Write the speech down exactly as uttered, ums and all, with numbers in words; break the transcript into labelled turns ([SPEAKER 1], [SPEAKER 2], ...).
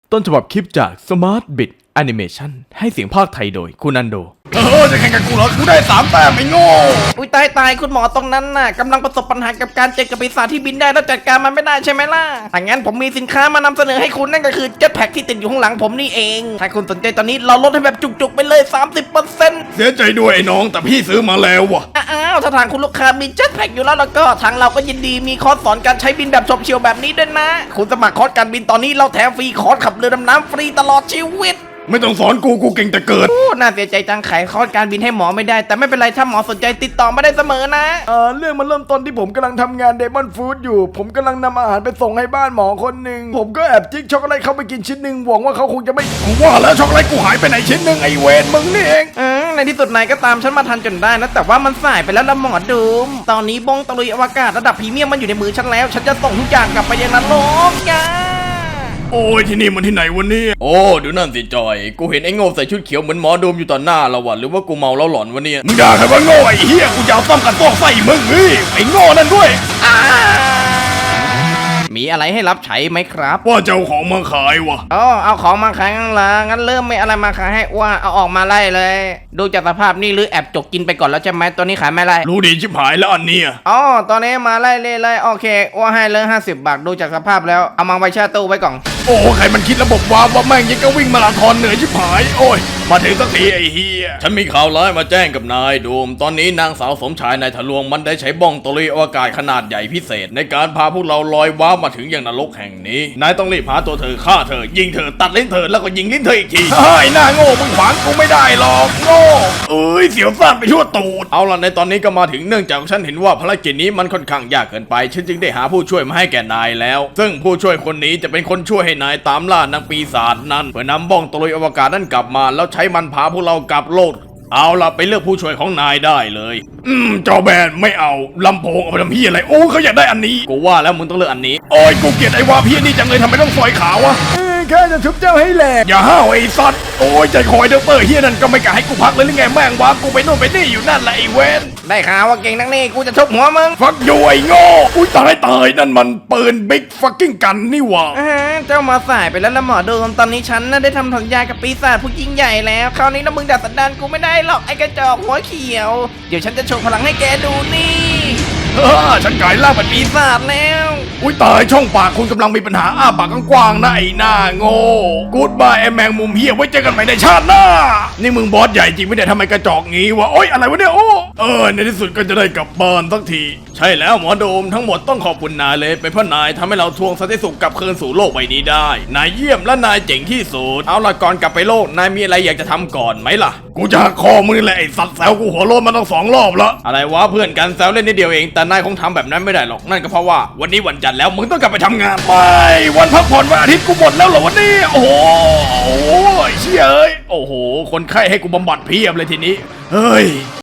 [SPEAKER 1] ต้นฉบับคลิปจาก Smart Bit Animation ให้เสียงภาคไทยโดยคุณอันโด
[SPEAKER 2] เออจะแข่งกับกูเหรอกูได้สามแต้มไอ้โง่
[SPEAKER 3] อุ้ยตายตายคุณหมอตรงนั้นน่ะกำลังประสบปัญหากับการเจอกับปีศาจที่บินได้แล้วจัดการมันไม่ได้ใช่ไหมล่ะถ้างั้นผมมีสินค้ามานำเสนอให้คุณนั่นก็คือเจ็ตแพ็กที่ติดอยู่ข้างหลังผมนี่เองถ้าคุณสนใจตอนนี้เราลดให้แบบจุกๆไปเลย สามสิบเปอร์เซ็นต์
[SPEAKER 2] เสียใจด้วยไอ้น้องแต่พี่ซื้อมาแล้วว่ะ
[SPEAKER 3] อ้าวถ้าทางคุณลูกค้ามีเจ็ตแพ็กอยู่แล้วแล้วก็ทางเราก็ยินดีมีคอร์สสอนการใช้บินแบบชมเชียวแบบนี้ด้วยนะคุณสมัครคอร์สการบินตอนนี้เราแถมฟรีคอร์สขับเรือดำน้ำฟรีตลอดชีวิต
[SPEAKER 2] ไม่ต้องสอนกูกูเก่งแต่เกิด
[SPEAKER 3] โอ้น่าเสียใจจังขายคอร์สการบินให้หมอไม่ได้แต่ไม่เป็นไรถ้าหมอสนใจติดต่อมาได้เสมอนะ
[SPEAKER 1] เออเรื่องมันเริ่มต้นที่ผมกำลังทำงานเดมอนฟู้ดอยู่ผมกำลังนำอาหารไปส่งให้บ้านหมอคนหนึ่งผมก็แอบจิ๊กช็อกโกแลตเข้าไปกินชิ้นหนึ่งหวังว่าเขาคงจะไม่
[SPEAKER 2] ว่าแล้วช็อกโกแลตกูหายไปไหนชิ้นหนึ่งไอเวนมึงนี่เอง
[SPEAKER 3] อืมในที่สุดนายก็ตามฉันมาทันจนได้นะแต่ว่ามันสายไปแล้วละหมอดูมตอนนี้บงตะลุยอวกาศระดับพรีเมียมมันอยู่ในมือฉันแล้วฉันจะส่งทุกอย่างกลับไปยังนรกยา
[SPEAKER 2] โอ้ยที่นี่มันที่ไหนวันนี้
[SPEAKER 1] โอ้ดูนั่นสิจอยกูเห็นไอ้โง่ใส่ชุดเขียวเหมือนหมอโดมอยู่ต่อหน้าเราวะหรือว่ากูเมาแล้วหลอนวะเนี่ย
[SPEAKER 2] มึงด่าใครว่าโง่ไอ้เหี้ยกูจะเอาซ่อมกันฟอกไส้มึงเฮ้ยไอ้โง่นั่นด้วย
[SPEAKER 3] มีอะไรให้รับใช้ไหมครับ
[SPEAKER 2] ว่าเจ้าของมาขายวะ
[SPEAKER 3] อ๋อเอาของมาขายงั้นละงั้นเริ่มไม่อะไรมาขายให้ว่าเอาออกมาไล่เลยดูจากสภาพนี่หรือแอบจกกินไปก่อนแล้วใช่ไหมตัวนี้ขายไม่ไล่
[SPEAKER 2] รู้ดีชิบหายแล้วอันนี้
[SPEAKER 3] อ๋อตอนนี้มาไล่เลยเลยโอเคว่าให้เลยห้าสิบบาทดูจากสภาพแล้วเอามาไว้แช่ตู้ไว้ก่อน
[SPEAKER 2] โอ้ใครมันคิดระบบวาร์ปว่าแม่งยังก็วิ่งมาราธอนเหนื่อยชิบหายโอ้ยมาถึงสักทีไอ้เฮีย
[SPEAKER 1] ฉันมีข่าวร้ายมาแจ้งกับนายโดมตอนนี้นางสาวสมชายนายทะลวงมันได้ใช้บ้องตะลุยอวกาศขนาดใหญ่พิเศษในการพาพวกเราลอยวาร์ปมาถึงอย่างนรกแห่งนี้นายต้องรีบหาตัวเธอฆ่าเธอยิงเธอตัดลิ้นเธอแล้วก็ยิงลิ้นเธออีกที
[SPEAKER 2] เฮ้ยหน้าโง่มึงขวางกูไม่ได้หรอกโง่เอ้ยเสียวซ่านไปทั่วตูด
[SPEAKER 1] เอาล่ะในตอนนี้ก็มาถึงเนื่องจากฉันเห็นว่าภารกิจนี้มันค่อนข้างยากเกินไปฉันจึงได้หาผู้ช่วยมาให้แก่นายแล้วซึ่งผู้ช่วยคนนี้จะเป็นคนช่วยให้นายตามล่านางปีศาจนั้นเพื่อนำบ้องตะลุยอวกาศนั้นกลับมาแล้วใช้มันพาพวกเรากลับโลกเอาล่ะไปเลือกผู้ช่วยของนายได้เลย
[SPEAKER 2] อืมจอแบนไม่เอาลำโพงเอาไปทำเฮียอะไรโอ้เขาอยากได้อันนี้
[SPEAKER 1] กูว่าแล้วมึงต้องเลือกอันนี้
[SPEAKER 2] โอ้ยกูเกลียดไอ้วาพี่นี่จังเลยทำไมต้องซอยขาวะ
[SPEAKER 1] แค่จะทุบเจ้าให้แหลก
[SPEAKER 2] อย่าห้าวไอ้สัตว์โอ้ยใจคอยเดอเปอร์เฮียนั่นก็ไม่กล้าให้กูพักเลยหรือไงแม่งวากูไปโน่นไปนี่อยู่นั่นแหละไอ้เวน
[SPEAKER 3] ได้ข่าวว่าเก่งนักนี่กูจะทุบหัวมึง
[SPEAKER 2] ฟักอยู่ไอ้โง่อุ้ยตายตายนั่นมันปืนบิ๊กฟักกิ้งกันนี่วะ
[SPEAKER 3] เจ้ามาสายไปแล้วละหมอโดมตอนนี้ฉันน่ะได้ทำสัญญากับปีศาจผู้ยิ่งใหญ่แล้วคราวนี้นะมึงดัดสันดานกูไม่ได้หรอกไอ้กระจอกหัวเขียวเดี๋ยวฉันจะโชว์พลังให้แกดูนี่
[SPEAKER 2] เออฉันกลายร่างเป็น
[SPEAKER 3] ปีศาจแล้ว
[SPEAKER 2] อุ้ยตายช่องปากคุณกำลังมีปัญหาอ้าปากกว้างๆนะไอ้หน้าโง่กูดบายไอ้แมงมุมเฮียไว้เจอกันใหม่ในชาติหน้านี่มึงบอสใหญ่จริงไม่ได้ทำไมกระจอกงี้วะโอ๊ยอะไรวะเนี่ยโอ้เออในที่สุดก็จะได้กลับบ้านสักที
[SPEAKER 1] ใช่แล้วหมอโดมทั้งหมดต้องขอบคุณนายเลยเป็นเพราะนายทำให้เราทวงสันติสุขกลับคืนสู่โลกใบนี้ได้นายเยี่ยมและนายเจ๋งที่สุดเอาล่ะก่อนกลับไปโลกนายมีอะไรอยากจะทำก่อนไหมล่ะ
[SPEAKER 2] กูจะหักคอมึงนี่แหละไอ้สัตว์แซวกูหัวโลนมาตั้งสองรอบแล้ว
[SPEAKER 1] อะไรวะเพื่อนกันแซวเล่นนิดเดียวเองแต่นายคงทำแบบนั้นไม่ได้หรอกนั่นก็เพราะว่าวันนี้วันจันทร์แล้วมึงต้องกลับไปทำงาน
[SPEAKER 2] ไปวันพักผ่อนวันอาทิตย์กูหมดแล้วเหรอวันนี้โอ้โหเชี่ยเอ้ยโอ้โหคนไข้ให้กูบำบัดเพียบเลยทีนี้เฮ้ย